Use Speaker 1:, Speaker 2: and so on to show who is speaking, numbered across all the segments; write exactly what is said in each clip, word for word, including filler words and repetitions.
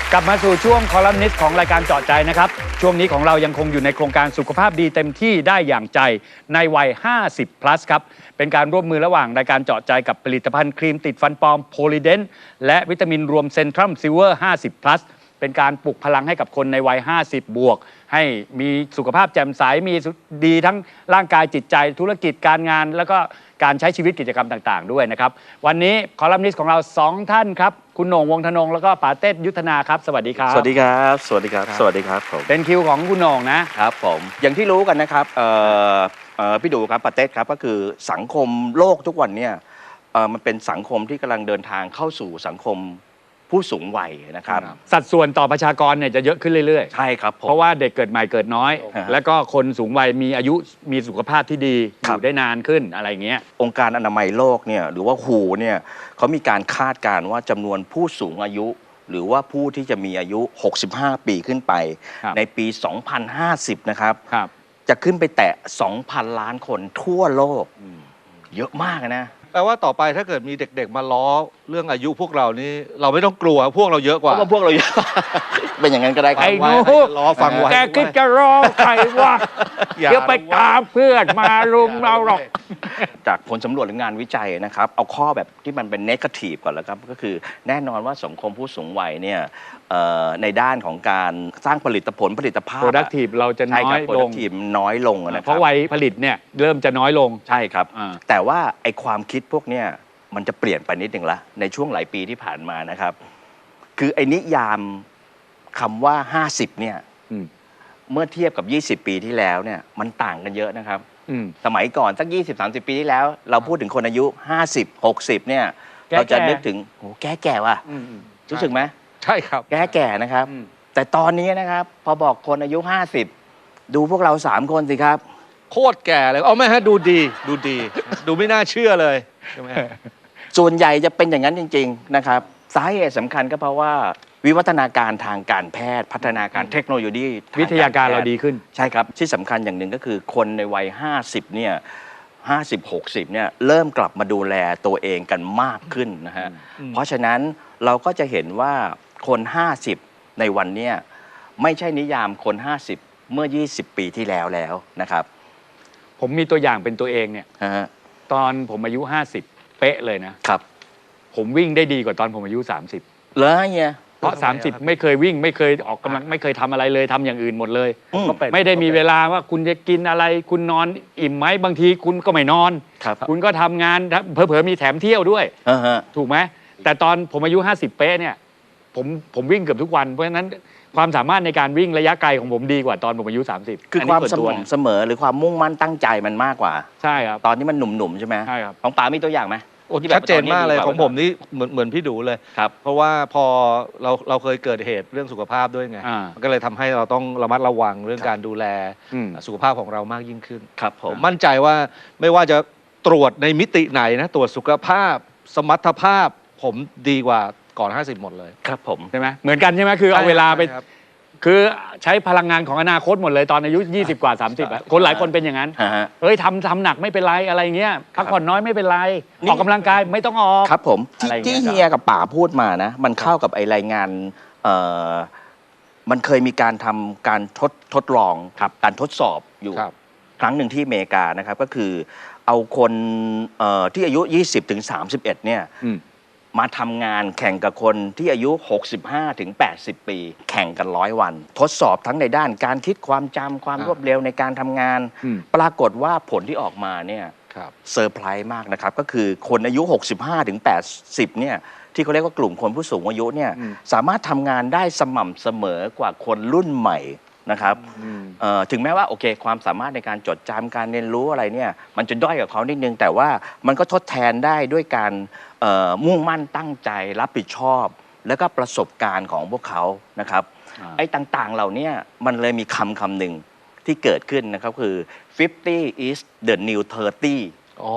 Speaker 1: กลับมาสู่ช่วงคอลัมนิสต์ของรายการเจาะใจนะครับช่วงนี้ของเรายังคงอยู่ในโครงการสุขภาพดีเต็มที่ได้อย่างใจในวัยห้าสิบ plus ครับเป็นการร่วมมือระหว่างรายการเจาะใจกับผลิตภัณฑ์ครีมติดฟันปลอมโพลีเดนและวิตามินรวมเซนทรัมซิลเวอร์ห้าสิบ plus เป็นการปลุกพลังให้กับคนในวัยห้าสิบบวกให้มีสุขภาพแจ่มใสมีดีทั้งร่างกายจิตใจธุรกิจการงานแล้วก็การใช้ชีวิตกิจกรรมต่างๆด้วยนะครับวันนี้คอลัมนิสต์ของเราสองท่านครับคุณโหน่งวงธนงแล้วก็ป๋าเต้ยุทธนาครับสวัสดีครับ
Speaker 2: สวัสดีครับสวัสดีครับสวัสดีครับผม
Speaker 1: เป็นคิวของคุณโหน่งนะครับ
Speaker 2: ผมอย่างที่รู้กันนะครับเอ่อเอ่อพี่ดูครับป๋าเต้ครับก็คือสังคมโลกทุกวันเนี่ยเอ่อมันเป็นสังคมที่กำลังเดินทางเข้าสู่สังคมผู้สูงวัยนะครับ
Speaker 1: สัดส่วนต่อประชากรเนี่ยจะเยอะขึ้นเรื่อยๆ
Speaker 2: ใช่ครับผม
Speaker 1: เพราะว่าเด็กเกิดใหม่เกิดน้อยแล้วก็คนสูงวัยมีอายุมีสุขภาพที่ดีอยู่ได้นานขึ้นอะไรเงี้ย
Speaker 2: องค์การอนามัยโลกเนี่ยหรือว่า ดับเบิลยู เอช โอ เนี่ยเขามีการคาดการณ์ว่าจำนวนผู้สูงอายุหรือว่าผู้ที่จะมีอายุหกสิบห้าปีขึ้นไปในปีสองพันห้าสิบนะครับจะขึ้นไปแตะ สองพัน ล้านคนทั่วโลกเยอะมากนะ
Speaker 3: แปลว่าต่อไปถ้าเกิดมีเด็กๆมาล้อเรื่องอายุพวกเรานี่เราไม่ต้องกลัวพวกเราเยอะกว่า
Speaker 2: เพราะว่าพวกเราเยอะเป็นอย่างนั้นก็ได้ครับ
Speaker 1: ไอ้หนู
Speaker 3: ล้อฟังไว้
Speaker 1: แกคิดจะรอใครวะเดี๋ยวไปตามเพื่อนมาลุมเราหรอก
Speaker 2: จากผลสำรวจหรืองานวิจัยนะครับเอาข้อแบบที่มันเป็นเนกาทีฟก่อนแล้วครับก็คือแน่นอนว่าสังคมผู้สูงวัยเนี่ยในด้านของการสร้างผลิตผลผลิตภาพ
Speaker 1: productive เราจะน้อยลง
Speaker 2: productive น้อยลงนะครับ
Speaker 1: เพราะวัยผลิตเนี่ยเริ่มจะน้อยลง
Speaker 2: ใช่ครับแต่ว่าไอความคิดพวกเนี้ยมันจะเปลี่ยนไปนิดหนึ่งละในช่วงหลายปีที่ผ่านมานะครับคือไอ้นิยามคำว่าห้าสิบเนี่ยเมื่อเทียบกับยี่สิบปีที่แล้วเนี่ยมันต่างกันเยอะนะครับสมัยก่อนสักยี่สิบ สามสิบปีที่แล้วเราพูดถึงคนอายุห้าสิบ หกสิบเนี่ยเราจะนึกถึงโอ้แก่แก่ว่ะรู้สึกไหม
Speaker 3: ใช่ครับ
Speaker 2: แก่แก่นะครับแต่ตอนนี้นะครับพอบอกคนอายุห้าสิบดูพวกเราสามคนสิครับ
Speaker 3: โคตรแก่เลยเอาไหมฮะดูดีดูดีดูไม่น่าเชื่อเลยใช่ไหม
Speaker 2: ส่วนใหญ่จะเป็นอย่างนั้นจริงๆนะครับสาเหตุสำคัญก็เพราะว่าวิวัฒนาการทางการแพทย์พัฒนาการเทคโนโลยี
Speaker 1: วิทยาการเราดีขึ้น
Speaker 2: ใช่ครับที่สำคัญอย่างหนึ่งก็คือคนในวัยห้าสิบเนี่ยห้าสิบ หกสิบเนี่ยเริ่มกลับมาดูแลตัวเองกันมากขึ้นนะฮะเพราะฉะนั้นเราก็จะเห็นว่าคนห้าสิบในวันเนี้ยไม่ใช่นิยามคนห้าสิบเมื่อยี่สิบปีที่แล้วแล้วนะครับ
Speaker 1: ผมมีตัวอย่างเป็นตัวเองเนี่ยตอนผมอายุห้าสิบเป๊ะเลยนะครับผมวิ่งได้ดีกว่าตอนผมอายุสามสิบ
Speaker 2: เหรอเนี่ย
Speaker 1: เพราะสามสิบไม่เคยวิ่งไม่เคยออกกำลังไม่เคยทำอะไรเลยทำอย่างอื่นหมดเลยไม่ได้มีเวลาว่าคุณจะกินอะไรคุณนอนอิ่มไหมบางทีคุณก็ไม่นอนคุณก็ทำงานเผลอๆมีแถมเที่ยวด้วยถูกไหมแต่ตอนผมอายุห้าสิบเป๊ะเนี่ยผมผมวิ่งเกือบทุกวันเพราะฉะนั้นความสามารถในการวิ่งระยะไกลของผมดีกว่าตอนผมอายุสามสิบ
Speaker 2: คือความสม่ำเสมอหรือความมุ่งมั่นตั้งใจมันมากกว่า
Speaker 1: ใช่ครับ
Speaker 2: ตอนนี้มันหนุ่มๆใช่ไหม
Speaker 1: ใช่ครับ
Speaker 2: ของป๋ามีตัวอย่างไหม
Speaker 3: ชัดเจนมากเลยของผมนี่เหมือนเหมือนพี่ดูเลย
Speaker 2: ครับ
Speaker 3: เพราะว่าพอเราเราเคยเกิดเหตุเรื่องสุขภาพด้วยไงมันก็เลยทำให้เราต้องระมัดระวังเรื่องการดูแลสุขภาพของเรามากยิ่งขึ้น
Speaker 2: ครับผม
Speaker 3: มั่นใจว่าไม่ว่าจะตรวจในมิติไหนนะตรวจสุขภาพสมรรถภาพผมดีกว่าก่อนห้าสิบหมดเลย
Speaker 2: ครับผม
Speaker 1: ใช่ไหมเหมือนกันใช่ไหมคือเอาเวลาไปคือใช้พลังงานของอนาคตหมดเลยตอนอายุยี่สิบกว่าสามสิบอ่ะคนหลายคนเป็นอย่างนั้นเฮ้ยทำทำหนักไม่เป็นไรอะไรเงี้ยพักผ่อนน้อยไม่เป็นไรออกกำลังกายไม่ต้องออก
Speaker 2: ครับผมที่เฮียกับป๋าพูดมานะมันเข้ากับไอรายงานเอ่อมันเคยมีการทำการทดทดลองการทดสอบอยู่ครั้งหนึ่งที่อเมริกานะครับก็คือเอาคนที่อายุยี่สิบถึงสามสิบเอ็ดเนี่ยมาทำงานแข่งกับคนที่อายุ หกสิบห้าถึงแปดสิบ ปีแข่งกันร้อยวันทดสอบทั้งในด้านการคิดความจำความรวดเร็วในการทำงานปรากฏว่าผลที่ออกมาเนี่ยเซอร์ไพรส์มากนะครับก็คือคนอายุ หกสิบห้าถึงแปดสิบ เนี่ยที่เขาเรียกว่ากลุ่มคนผู้สูงอายุเนี่ยสามารถทำงานได้สม่ำเสมอกว่าคนรุ่นใหม่นะครับถึงแม้ว่าโอเคความสามารถในการจดจำการเรียนรู้อะไรเนี่ยมันจะด้อยกับเขานิดนึงแต่ว่ามันก็ทดแทนได้ด้วยการมุ่งมั่นตั้งใจรับผิดชอบแล้วก็ประสบการณ์ของพวกเขานะครับไอ้ต่างๆเหล่านี้มันเลยมีคำคำหนึ่งที่เกิดขึ้นนะครับคือ fifty is the new thirty
Speaker 3: อ๋อ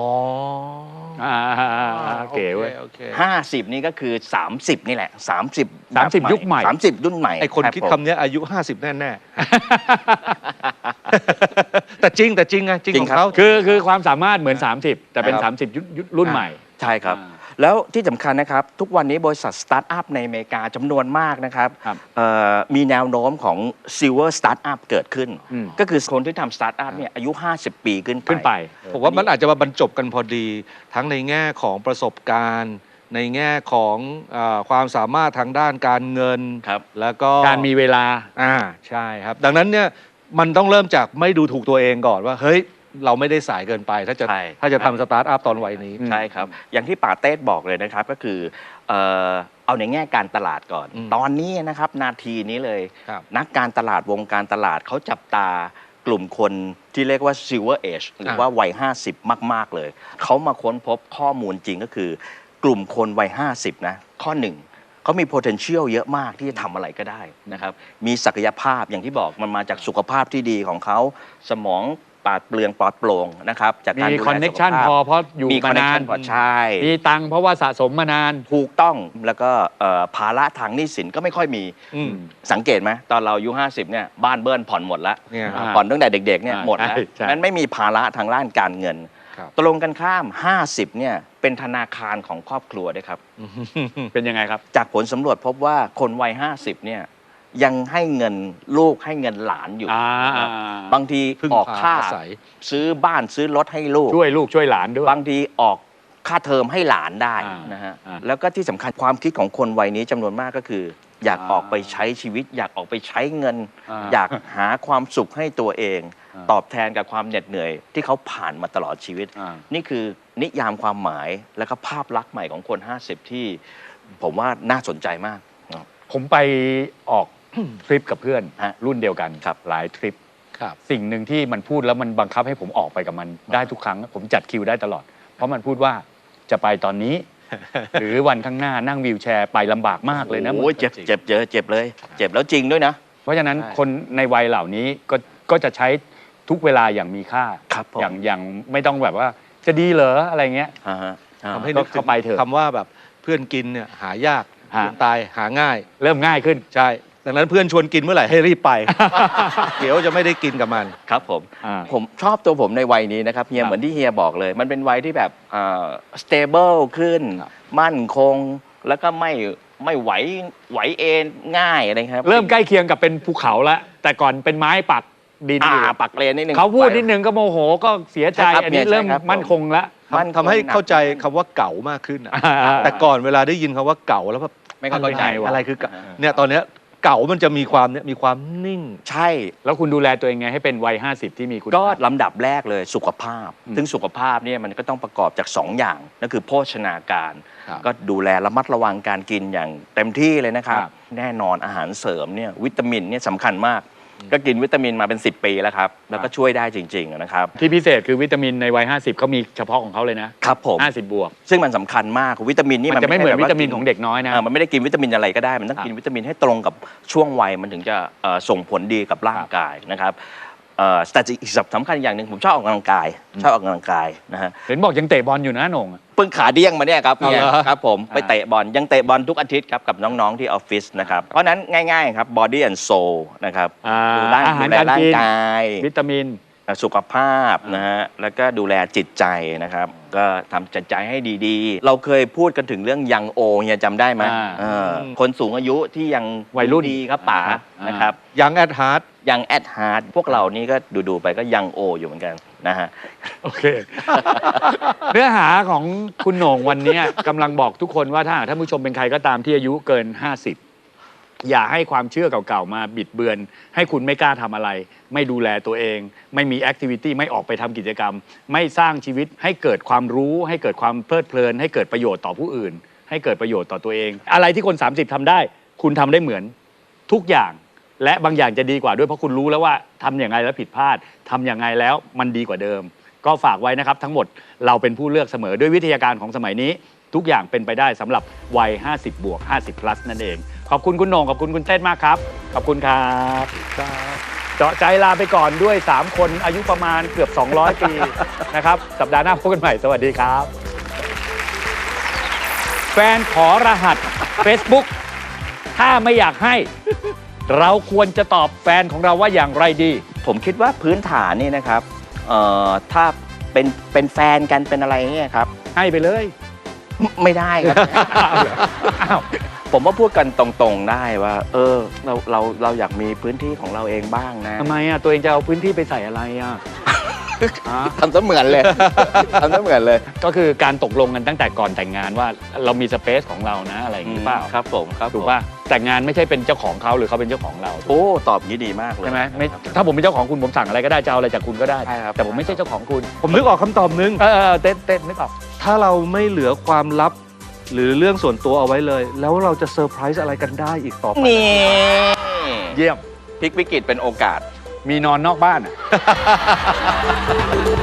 Speaker 1: เก๋เว้ย
Speaker 2: ห้าสิบนี่ก็คือสามสิบนี่แหละสามสิบ
Speaker 1: สามสิบยุคใหม่
Speaker 2: สามสิบรุ่นใหม่
Speaker 3: ไอคนคิดคำนี้อายุห้าสิบแน่ๆแต่จริงแต่จริงไงจริงของเขา
Speaker 1: คือคือความสามารถเหมือนสามสิบแต่เป็นสามสิบยุครุ่นใหม่
Speaker 2: ใช่ครับแล้วที่สำคัญนะครับทุกวันนี้บริษัทสตาร์ทอัพในอเมริกาจำนวนมากนะครับมีแนวโน้มของ Silver Startup เกิดขึ้น ก็คือคนที่ทำสตาร์ทอัพเนี่ยอายุห้าสิบปีขึ้นไป
Speaker 1: ขึ้นไป
Speaker 3: ผมว่ามันอาจจะมาบรรจบกันพอดีทั้งในแง่ของประสบการณ์ในแง่ของอความสามารถทางด้านการเงินแล้วก็
Speaker 1: การมีเวลา
Speaker 3: อ่าใช่ครับดังนั้นเนี่ยมันต้องเริ่มจากไม่ดูถูกตัวเองก่อนว่าเฮ้ยเราไม่ได้สายเกินไปถ้าจะถ้าจะทำสตาร์ทอัพตอนวัยนี้
Speaker 2: ใช่ครับอย่างที่ป่าเต้บอกเลยนะครับก็คือเอ่อเอาในแง่การตลาดก่อนตอนนี้นะครับนาทีนี้เลยนักการตลาดวงการตลาดเขาจับตากลุ่มคนที่เรียกว่า Silver Age หรือว่าวัยห้าสิบมากๆเลยเขามาค้นพบข้อมูลจริงก็คือกลุ่มคนวัยห้าสิบนะข้อหนึ่งเขามี potential เยอะมากที่จะทำอะไรก็ได้นะครับมีศักยภาพอย่างที่บอกมันมาจากสุขภาพที่ดีของเขาสมองปราดเปลืองปลอดโปร่งนะครับจากการ
Speaker 1: มีคอนเน็ชันพอเพราะอยู่มานาน
Speaker 2: ใช่
Speaker 1: มีตังเพราะว่าสะสมมานาน
Speaker 2: ถูกต้องแล้วก็ภาระทางหนี้สินก็ไม่ค่อยมีสังเกตไหมตอนเราอายุห้าสิบเนี่ยบ้านเบิ้ลผ่อนหมดแล้วผ่อนตั้งแต่เด็กๆเนี่ยหมดแล้วนั้นไม่มีภาระทางด้านการเงินตรงกันข้ามห้าสิบเนี่ยเป็นธนาคารของครอบครัวด้วยครับ
Speaker 1: เป็นยังไงครับ
Speaker 2: จากผลสำรวจพบว่าคนวัยห้าสิบเนี่ยยังให้เงินลูกให้เงินหลานอยู่บางทีออกค่าซื้อบ้านซื้อรถให้ลูก
Speaker 1: ช่วยลูกช่วยหลานด้วย
Speaker 2: บางทีออกค่าเทอมให้หลานได้นะฮะแล้วก็ที่สำคัญความคิดของคนวัยนี้จำนวนมากก็คืออยากออกไปใช้ชีวิตอยากออกไปใช้เงินอยากหาความสุขให้ตัวเองตอบแทนกับความเหน็ดเหนื่อยที่เขาผ่านมาตลอดชีวิตนี่คือนิยามความหมายและก็ภาพลักษณ์ใหม่ของคนห้าสิบที่ผมว่าน่าสนใจมาก
Speaker 1: ผมไปออกทริปกับเพื่อนรุ่นเดียวกันหลายทริปสิ่งหนึ่งที่มันพูดแล้วมันบังคับให้ผมออกไปกับมันได้ทุกครั้งผมจัดคิวได้ตลอดเพราะมันพูดว่าจะไปตอนนี้หรือวันข้างหน้านั่งวีลแชร์ไปลำบากมากเลยนะ
Speaker 2: โอ้ยเจ็บเจ็บเยอะเจ็บเลยเจ็บแล้วจริงด้วยนะ
Speaker 1: เพราะฉะนั้นคนในวัยเหล่านี้ก็ก็จะใช้ทุกเวลาอย่างมีค่าอย่างอย่างไม่ต้องแบบว่าจะดีเหรออะไรเงี้ย
Speaker 3: ทำให้นึกเข้าไปเถอะคำว่าแบบเพื่อนกินเนี่ยหายากตายหาง่าย
Speaker 1: เริ่มง่ายขึ้น
Speaker 3: ใช่ดังนั้นเพื่อนชวนกินเมื่อไหร่ให้รีบไป เดี๋ยวจะไม่ได้กินกับมัน
Speaker 2: ครับผมผมชอบตัวผมในวัยนี้นะครับเฮียเหมือนที่เฮียบอกเลยมันเป็นวัยที่แบบ stable ขึ้นมั่นคงแล้วก็ไม่ไม่ไหวไหวเองง่ายอะไรครับ
Speaker 1: เริ่มใกล้เคียงกับเป็นภูเขาแล้วแต่ก่อนเป็นไม้ปักดินอยู่
Speaker 2: ปักเลนนิดนึง
Speaker 1: เขาพูดนิดนึงก็โมโหก็เสียใจอันนี้เริ่มมั่นคงแล้ว
Speaker 3: มันทำให้เข้าใจคำว่าเก่ามากขึ้นแต่ก่อนเวลาได้ยินคำว่าเก่าแล้วแบบ
Speaker 2: ไม่เข้าใจ
Speaker 3: อะไรคือเนี่ยตอนเนี้ยเก่ามันจะมีความเนี่ยมีความนิ่ง
Speaker 2: ใช่
Speaker 1: แล้วคุณดูแลตัวเองไงให้เป็นวัยห้าสิบที่มีคุณ
Speaker 2: ก็ลำดับแรกเลยสุขภาพซึ่งสุขภาพเนี่ยมันก็ต้องประกอบจากสองอย่างนั่นคือโภชนาการก็ดูแลระมัดระวังการกินอย่างเต็มที่เลยนะครับแน่นอนอาหารเสริมเนี่ยวิตามินเนี่ยสำคัญมากก็กินวิตามินมาเป็นสิบปีแล้วครับแล้วก็ช่วยได้จริงๆนะครับ
Speaker 1: ที่พิเศษคือวิตามินในวัยห้าสิบเขามีเฉพาะของเขาเลยนะครับ
Speaker 2: ผม
Speaker 1: ห้าสิบบวก
Speaker 2: ซึ่งมันสำคัญมากวิตามินนี่
Speaker 1: มันจะไม่เหมือนวิตามินของเด็กน้อยนะ
Speaker 2: มันไม่ได้กินวิตามินอะไรก็ได้มันต้องกินวิตามินให้ตรงกับช่วงวัยมันถึงจะส่งผลดีกับร่างกายนะครับแต่อีกสำคัญอย่างหนึ่งผมชอบออกกำลังกายชอบออกกำลังกายนะฮะ
Speaker 1: เห็นบอกยังเตะบอลอยู่นะหน่ง
Speaker 2: เพิ่งขาเดี้ยงมาเนี่ยครับเนี่ยครับผมไปเตะบอลยังเตะบอลทุกอาทิตย์ครับกับน้องๆที่ออฟฟิศนะครับเพราะนั้นง่ายๆครับ body and soul นะครับ
Speaker 1: ดูแลร่าง
Speaker 2: กาย
Speaker 1: วิตามิน
Speaker 2: สุขภาพนะฮะแล้วก็ดูแลจิตใจนะครับก็ทำจิตใจให้ดีๆเราเคยพูดกันถึงเรื่องยังโอเนี่ยจำได้ไหมคนสูงอายุที่ยัง
Speaker 1: วัยรุ่น
Speaker 2: ดีครับป๋านะครับ
Speaker 3: ยังแอดฮาร์ด
Speaker 2: ยังแอดฮาร์ดพวกเรานี่ก็ดูๆไปก็ยังโออยู่เหมือนกันนะฮะ
Speaker 1: โอเคเนื้อหาของคุณโหน่งวันนี้กำลังบอกทุกคนว่าถ้าท่านผู้ชมเป็นใครก็ตามที่อายุเกินห้าสิบอย่าให้ความเชื่อเก่าๆมาบิดเบือนให้คุณไม่กล้าทำอะไรไม่ดูแลตัวเองไม่มีแอคทิวิตี้ไม่ออกไปทำกิจกรรมไม่สร้างชีวิตให้เกิดความรู้ให้เกิดความเพลิดเพลินให้เกิดประโยชน์ต่อผู้อื่นให้เกิดประโยชน์ต่อตัวเองอะไรที่คนสามสิบทำได้คุณทำได้เหมือนทุกอย่างและบางอย่างจะดีกว่าด้วยเพราะคุณรู้แล้วว่าทำอย่างไรแล้วผิดพลาดทำอย่างไรแล้วมันดีกว่าเดิมก็ฝากไว้นะครับทั้งหมดเราเป็นผู้เลือกเสมอด้วยวิทยาการของสมัยนี้ทุกอย่างเป็นไปได้สำหรับวัยห้าสิบบวกห้าสิบ plus นั่นเองขอบคุณคุณโหน่งขอบคุณคุณเต้นมากครับขอบคุณครับเจาะใจลาไปก่อนด้วยสามคนอายุประมาณเกือบสองร้อยปีนะครับสัปดาห์หน้าพบกันใหม่สวัสดีครับแฟนขอรหัส Facebook ถ้าไม่อยากให้เราควรจะตอบแฟนของเราว่าอย่างไรดี
Speaker 2: ผมคิดว่าพื้นฐานนี่นะครับเอ่อถ้าเป็นเป็นแฟนกันเป็นอะไรเนี่ยครับ
Speaker 1: ให้ไปเลย
Speaker 2: ไม่ได้ครับ
Speaker 1: อ้าว
Speaker 2: ผมว่าพูดกันตรงๆได้ว่า เออเราเราเราอยากมีพื้นที่ของเราเองบ้างนะ
Speaker 1: ทำไมอ่ะตัวเองจะเอาพื้นที่ไปใส่อะไรอ่ะ ฮะ
Speaker 2: ทำเสมือนเลย ทำเสมือนเลย
Speaker 1: ก็คือการตกลงกันตั้งแต่ก่อนแต่งงานว่าเรามีสเปซของเรานะอะไรอย่างนี้เปล่า
Speaker 2: ครับผมครับ
Speaker 1: ถูกป่ะแต่งงานไม่ใช่เป็นเจ้าของเขาหรือเขาเป็นเจ้าของเรา
Speaker 2: โอ้ตอบงี้ดีมากเลย
Speaker 1: ใช่ไหมไม่
Speaker 2: ครับ
Speaker 1: ถ้าผมเป็นเจ้าของคุณผมสั่งอะไรก็ได้จะเอาอะไรจากคุณก็ได้
Speaker 2: ใช่ครับ
Speaker 1: แต่ผมไม่ใช่เจ้าของคุณ
Speaker 3: ผมนึกออกคำตอบนึง
Speaker 1: เออเออเต้นเต้นนึกออก
Speaker 3: ถ้าเราไม่เหลือความลับ หรือเรื่องส่วนตัวเอาไว้เลย แล้วเราจะเซอร์ไพรส์อะไรกันได้อีกต่อไป
Speaker 2: นี่
Speaker 1: เยี่ยม
Speaker 2: พลิกวิกฤตเป็นโอกาส
Speaker 1: มีนอนนอกบ้านอ่ะ